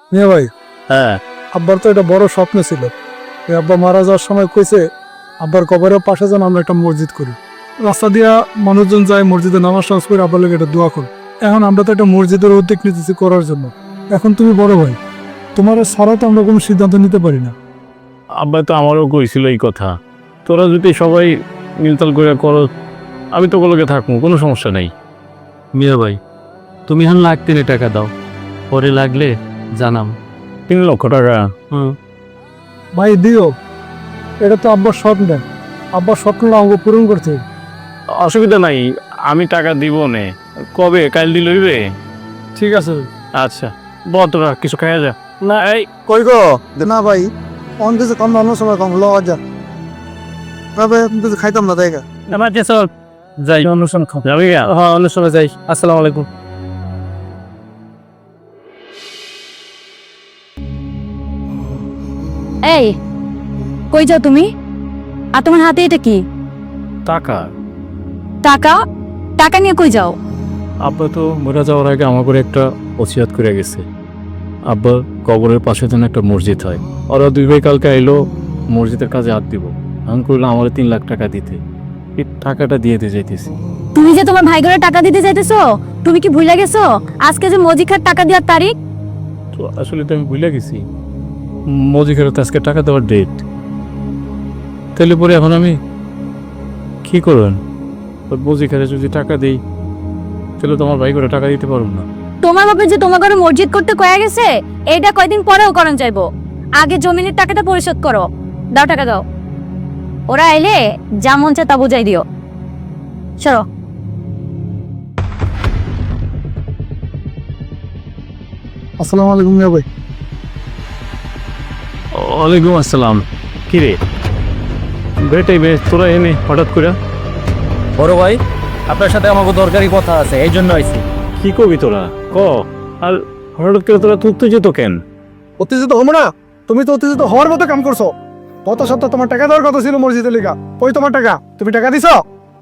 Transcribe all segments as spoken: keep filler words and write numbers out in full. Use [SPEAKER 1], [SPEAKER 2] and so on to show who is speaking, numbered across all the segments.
[SPEAKER 1] মিয়া ভাই,
[SPEAKER 2] হ্যাঁ
[SPEAKER 1] আব্বার তো এটা বড় স্বপ্ন ছিল। ওই আব্বা মারা যাওয়ার সময় কইছে আব্বার কবরের পাশে যেন আমরা একটা মসজিদ করি। রাস্তা দিয়া মানুষজন যায় মসজিদে নামাজ টামাজ করে আব্বার লোক এটা দোয়া করে। এখন আমরা তো একটা মসজিদের উদ্যোগ নিতেছি করার জন্য। এখন তুমি বড় ভাই, তোমার ছাড়া তো আমরা কোনো সিদ্ধান্ত নিতে পারি না।
[SPEAKER 2] আব্বা তো আমারও কইছিল এই কথা, তোরা যদি সবাই মিলতাল করে করো আমি তো ওগুলোকে থাকবো, কোনো সমস্যা নেই।
[SPEAKER 3] মিয়া ভাই, তুমি এখন লাখ তিনে টাকা দাও, পরে লাগলে জানাম।
[SPEAKER 2] তিন লক্ষ টাকা?
[SPEAKER 3] হুম।
[SPEAKER 1] ভাই দিও, এটা তো আব্বার স্বপ্ন। আব্বার স্বপ্নটা আমাকে পূরণ করতে।
[SPEAKER 2] অসুবিধা নাই, আমি টাকা দিব নে। কবে? কাল দিল হইবে?
[SPEAKER 1] ঠিক আছে।
[SPEAKER 2] আচ্ছা বল, তোরা কিছু খাইয়া যা। না এই
[SPEAKER 1] কই গো? না ভাই, অন কিছু কম অন্য সময় কম লওয়া যা। তবে কিছু খাইতাম না তাই।
[SPEAKER 2] আমার যে চল যাই, অনুষ্ঠান খাও যাবি?
[SPEAKER 3] হ্যাঁ, অন্য সময় যাই। আসসালামু আলাইকুম।
[SPEAKER 4] এই কই যাও তুমি? আর তোমার হাতে এটা কি?
[SPEAKER 2] টাকা।
[SPEAKER 4] টাকা? টাকা নিয়ে কই যাও?
[SPEAKER 2] আব্বা তো মরে যাওয়ার আগে আমার করে একটা ওসিয়াত করে গেছে, আব্বা কবরের পাশে যেন একটা মসজিদ হয়। ওরা দুই ভাই কালকে আইলো মসজিদের কাজে হাত দিব। আমি করলাম আমার তিন লাখ টাকা দিতে, এই টাকাটা দিয়ে দিয়ে যাইতেছি।
[SPEAKER 4] তুমি যে তোমার ভাই ঘরে টাকা দিতে চাইতেছো, তুমি কি ভুলে গেছো আজকে যে মজিখার টাকা দেওয়ার তারিখ?
[SPEAKER 2] তো আসলে তো আমি ভুলে গেছি মজিকের তো আজকে টাকা দেওয়ার ডেট। তাহলে পরে এখন আমি কি করবেন? মজিকারে যদি টাকা দিই তাহলে তোমার ভাই করে টাকা দিতে পারবো না।
[SPEAKER 4] তোমার বাপে যে তোমার ঘরে মসজিদ করতে কয়া গেছে, এইটা কয়দিন পরেও করণ চাইবো। আগে জমিনের টাকাটা পরিশোধ করো। দাও টাকা দাও। ওরা এলে যা মন চায় তা বুঝাই দিও। সরো।
[SPEAKER 1] আসসালামু আলাইকুম মিয়া ভাই।
[SPEAKER 2] ওয়ালাইকুম আসসালাম। কিরে বেটাই বে, তোরা এনে হঠাৎ করে?
[SPEAKER 3] বড় ভাই, আপনার সাথে আমাকে দরকারি কথা আছে, এই জন্য আইছি।
[SPEAKER 2] কি করবি তোরা ক? আর হঠাৎ করে তোরা তুলতে যেত কেন?
[SPEAKER 1] উত্তেজিত হবো না? তুমি তো উত্তেজিত হওয়ার মতো কাম করছো। গত সপ্তাহ তোমার টাকা দেওয়ার কথা ছিল মসজিদের লিগা, ওই তোমার টাকা, তুমি টাকা দিছো?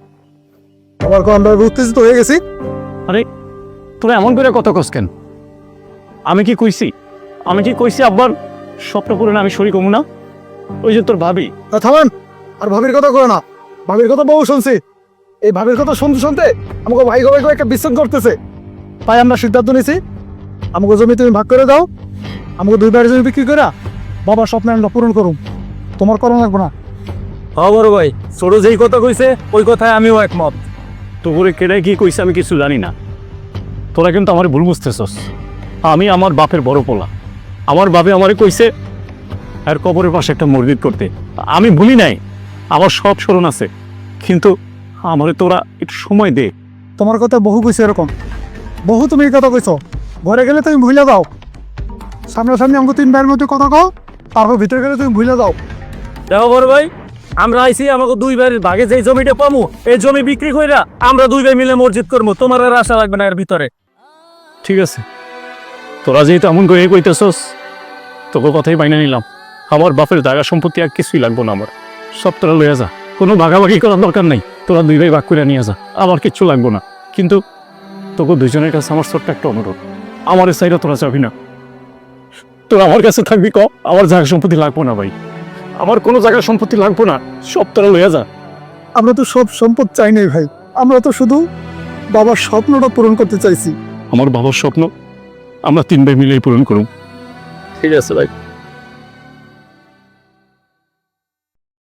[SPEAKER 1] আবার কোন আমরা উত্তেজিত হয়ে গেছি।
[SPEAKER 2] আরে তোরা এমন করে কত কস কেন? আমি কি কইছি আমি কি কইছি আব্বার স্বপ্ন পূরণে আমি শরীক হবো না? ওই যে তোর ভাবি।
[SPEAKER 1] তা থামান, আর ভাবির কথা করো না। ভাবির কথা বহু শুনছি। এই ভাবির কথা শুনতে শুনতে আমাকে ভাই ভাই একটা বিশ্রাম করতেছে। তাই আমরা সিদ্ধান্ত নিয়েছি, আমাকে জমি তুমি ভাগ করে দাও। আমাকে দুই বাড়ি জমি বিক্রি করে বাবার স্বপ্ন আমরা পূরণ করুন। তোমার করণ লাগবে না।
[SPEAKER 3] হ্যাঁ বড় ভাই, ছোট যেই কথা কইছে ওই কথায় আমিও একমত।
[SPEAKER 2] তো করে কেড়ে কি কইছে আমি কিছু জানি না। তোরা কিন্তু আমার ভুল বুঝতেছস। আমি আমার বাপের বড় পোলা, আমার বাপে আমারে কইছে আর কবরের পাশে একটা মসজিদ করতে। আমি ভুলি নাই, আমার সব স্মরণ আছে, কিন্তু আমারে তোরা একটু সময় দে।
[SPEAKER 1] তোমার কথা বহু কইছে এরকম, বহু তুমি এই কথা কইছো। ঘরে গেলে তুমি ভুলে দাও। সামনাসামনি আমাকে তিন ভাইয়ের মধ্যে কথা কও, তারপর ভিতরে গেলে তুমি ভুলে দাও।
[SPEAKER 3] দেখো বড় ভাই, আমরা আইছি আমাকে দুই ভাইয়ের ভাগে যেই জমিটা পামু এই জমি বিক্রি কইরা আমরা দুই ভাই মিলে মসজিদ করবো। তোমার আর আশা লাগবে না এর ভিতরে।
[SPEAKER 2] ঠিক আছে, তোরা যেহেতু এমন করে কইতেছস তোকে কথাই বাইনা নিলাম। আমার বাপের জায়গা সম্পত্তি আর কিছুই লাগবো না, আমার সব তোরা লইয়া যা। কোনো ভাগাভাগি করার দরকার নাই, তোরা দুই ভাই ভাগ করে নিয়ে যা, আমার কিচ্ছু লাগবো না। কিন্তু তোকে দুইজনের কাছে আমার ছোট্ট একটা অনুরোধ, আমার সাইডে তোরা যাবি না। তোরা আমার কাছে থাকবি ক, আমার জায়গা সম্পত্তি লাগবো না ভাই, আমার কোনো জায়গা সম্পত্তি লাগবো না, সব তোরা লইয়া যা।
[SPEAKER 1] আমরা তো সব সম্পদ চাই নাই ভাই, আমরা তো শুধু বাবার স্বপ্নটা পূরণ করতে চাইছি।
[SPEAKER 2] আমার বাবার স্বপ্ন আমরা তিন ভাই মিলেই পূরণ করুন। ঠিক আছে ভাই।